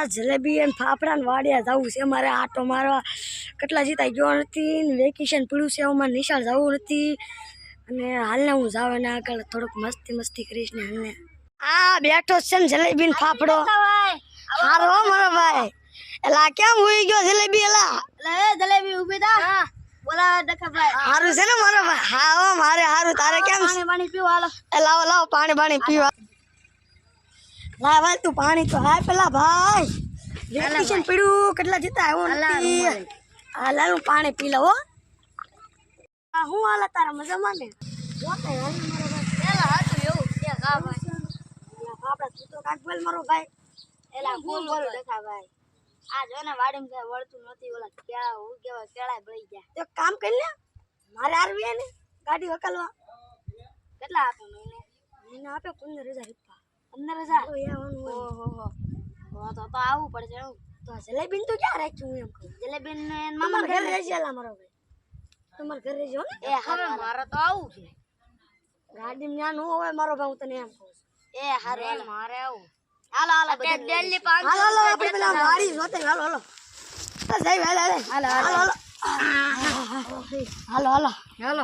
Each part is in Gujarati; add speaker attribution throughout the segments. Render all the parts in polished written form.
Speaker 1: જલેબી અને ફાફડા ને વાડિયા જવું છે મારે આટો મારવા કેટલા જીતા ગયો નથી ને વેકેશન પડ્યું છે અમારે નિશાળ જવું નથી અને હાલને હું જાવ ને આગળ થોડુંક મસ્તી કરીશ ને હાલને આ બેઠો છે ને જલેબી ને ફાફડો હારો મારો ભાઈ એલા કેમ હોઈ ગયો જલેબી એલા
Speaker 2: જલેબી ઉભી થા બોલા ડખા ભાઈ
Speaker 1: હારું છે ને મારો ભાઈ હા મારે હારું તારે કેમ
Speaker 2: પાણી પીવો હાલો
Speaker 1: લાવો લાવો પાણી પીવા લાવ તું પાણી તો હાય પેલા ભાઈ વેકેશન પડ્યું કેટલા જીતા આવ્યો હા લાલું પાણી પી લો હું હાલે તારા મજામાં ને આપડા તું તો કાક બોલ મારો ભાઈ
Speaker 2: એલા બોલ ડખા ભાઈ આ જો ને વાડીમાં કઈ વળતું નથી ઓલા કેળા હું કેવા કેળા બળી ગયા
Speaker 1: એક કામ કરી લે મારે આરવી ને ગાડી વકાલવા
Speaker 2: કેટલા આપે
Speaker 1: મહિને આપે 15,000 રૂપિયા
Speaker 2: 15,000 ઓહો તો આવવું પડશે
Speaker 1: તો જલેબી તો ક્યાં રાખ્યું હું એમ કહું
Speaker 2: જલેબી ને
Speaker 1: મામા ઘરે રહેજે એલા મારો ભાઈ તમારે ઘરે રહેજો ને
Speaker 2: એ હવે મારે તો આવું છે
Speaker 1: ગાડી માં ન હોય મારો ભાઈ હું તને એમ કહું
Speaker 2: એ હારે મારે આવું હાલો દિલ્હી 500
Speaker 1: હાલો આપણે પેલા વાડી જોતે હાલો સાહેબ હાલો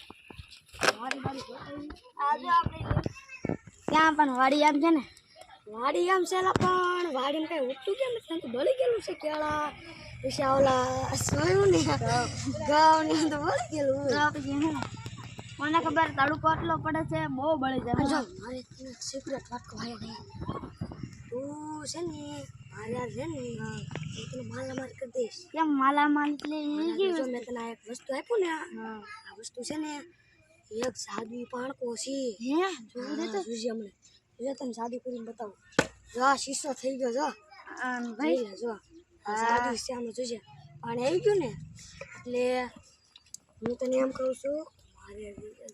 Speaker 2: આજે આપણે ત્યાં પણ વાડી આમ છે ને
Speaker 1: વાડી આમ છે પણ વાડીમાં કઈ ઉઠતું કેમ નથી તો બળી ગયેલું છે કેળા પછી ઓલા સોયું ને ગાવ ને તો બળી ગયેલું
Speaker 2: મને ખબર તડકો એટલો પડે છે બહુ બળી જાય
Speaker 1: જો મારે સિક્રેટ વાત કહે નહીં તું છે ને મારે છે ને તને માલામાલ કરી દઈશ
Speaker 2: કેમ માલામાલ એટલે
Speaker 1: જો મેં તને એક વસ્તુ આપ્યું ને આ વસ્તુ છે ને એક સાદુ પાણકો છે જોઈ દે તો જોજે હમણે જો તને સાદું કરીને બતાવું જો આ શીશો થઈ ગયો જો ભાઈ જો સાદુ છે આમાં જોજે પાણી આવી ગયું ને એટલે હું તને એમ કહું છું મારે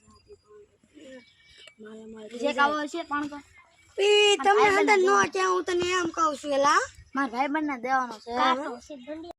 Speaker 1: માલામાલ
Speaker 2: જે કાવો છે પણ
Speaker 1: તમને અંદર નો ક્યાં હું તને એમ કહું છું એલા
Speaker 2: મારા ભાઈ બંને દેવાનો છે